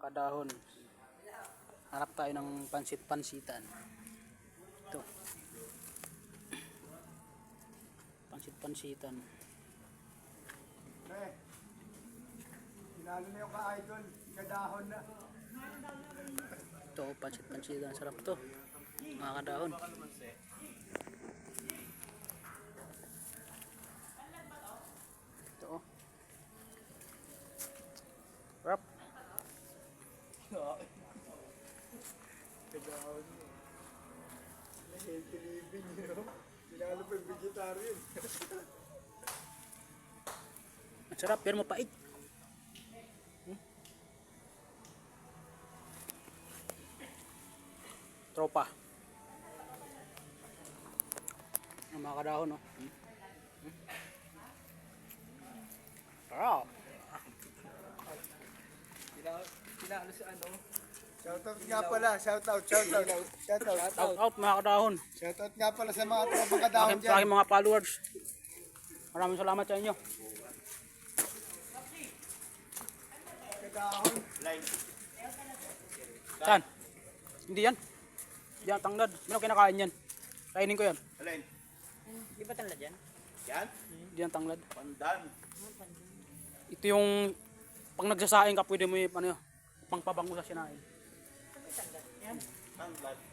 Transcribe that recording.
kadahon. Harap tayo ng pansit-pansitan. Ito. Pansit-pansitan. Eh, sinalo na yung ka-idol, kadahon na. Ito, pansit-pansitan. Sarap to. Mga kadahon. Ito oh. Sarap. Kadahon na. Healthy living, yun. Sinalo pa yung vegetarian. Ang sarap, pero mapait. Tropa. Ang mga kadahon, no? Sarap. Sinalo sa ano? Shoutout nga pala, shoutout. Shout out mga kadahon. Shoutout nga pala sa mga tropang kadahon Sa dyan. aking mga followers. Maraming salamat sa inyo. Kadahon. Saan? Hindi yan. Yan, tanglad. Sino kinakain yan? Kainin ko yan. Alin? Di ba tanla dyan? Yan? Hindi yan tanglad. Pandan. Ito yung pag nagsasaing ka, pwede mo yung ano, pangpabango sa sinain. Tanglad.